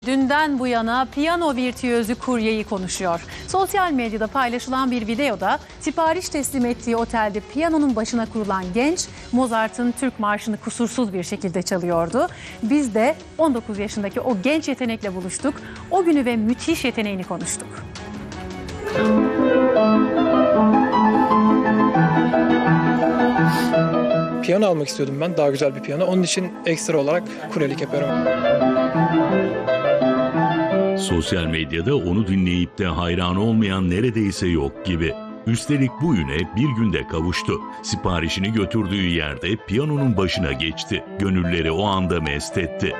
Dünden bu yana piyano virtüözü kuryeyi konuşuyor. Sosyal medyada paylaşılan bir videoda sipariş teslim ettiği otelde piyanonun başına kurulan genç Mozart'ın Türk Marşı'nı kusursuz bir şekilde çalıyordu. Biz de 19 yaşındaki o genç yetenekle buluştuk. O günü ve müthiş yeteneğini konuştuk. Piyano almak istiyordum ben, daha güzel bir piyano. Onun için ekstra olarak kuryelik yapıyorum. Sosyal medyada onu dinleyip de hayran olmayan neredeyse yok gibi. Üstelik bu üne bir günde kavuştu. Siparişini götürdüğü yerde piyanonun başına geçti. Gönülleri o anda mest etti.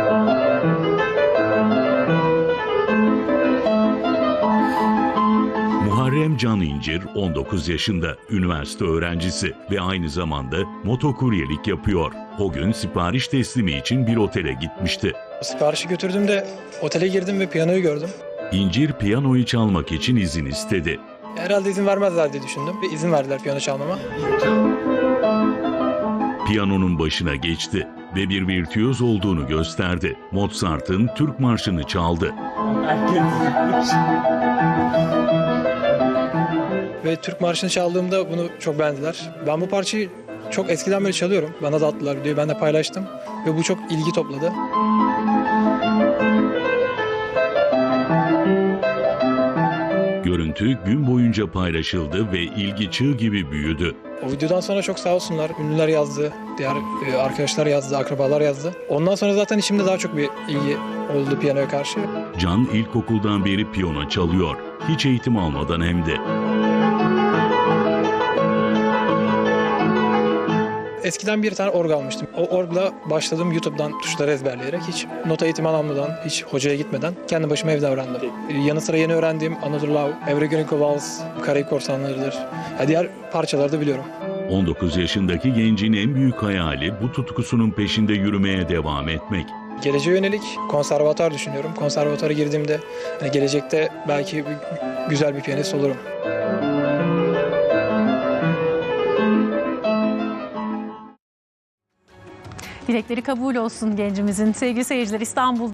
Muharrem Can İncir 19 yaşında, üniversite öğrencisi ve aynı zamanda motokuryelik yapıyor. O gün sipariş teslimi için bir otele gitmişti. Siparişi götürdüğümde otele girdim ve piyanoyu gördüm. İncir piyanoyu çalmak için izin istedi. Herhalde izin vermezler diye düşündüm ve izin verdiler piyano çalmama. Piyanonun başına geçti ve bir virtüöz olduğunu gösterdi. Mozart'ın Türk Marşı'nı çaldı. Ve Türk Marşı'nı çaldığımda bunu çok beğendiler. Ben bu parçayı çok eskiden beri çalıyorum. Bana da attılar videoyu, ben de paylaştım. Ve bu çok ilgi topladı. Görüntü gün boyunca paylaşıldı ve ilgi çığ gibi büyüdü. O videodan sonra çok sağ olsunlar. Ünlüler yazdı, diğer arkadaşlar yazdı, akrabalar yazdı. Ondan sonra zaten içimde daha çok bir ilgi oldu piyanoya karşı. Can ilkokuldan beri piyano çalıyor. Hiç eğitim almadan hem de. Eskiden bir tane org almıştım. O orgla başladım YouTube'dan tuşları ezberleyerek. Hiç nota eğitimi almadan, hiç hocaya gitmeden kendi başıma evde öğrendim. Yanı sıra yeni öğrendiğim Another Love, Every Gringo Waltz, Karayip Korsanları'dır. Diğer parçaları da biliyorum. 19 yaşındaki gencin en büyük hayali bu tutkusunun peşinde yürümeye devam etmek. Geleceğe yönelik konservatuar düşünüyorum. Konservatuara girdiğimde gelecekte belki güzel bir piyanist olurum. Dilekleri kabul olsun gencimizin. Sevgili seyirciler, İstanbul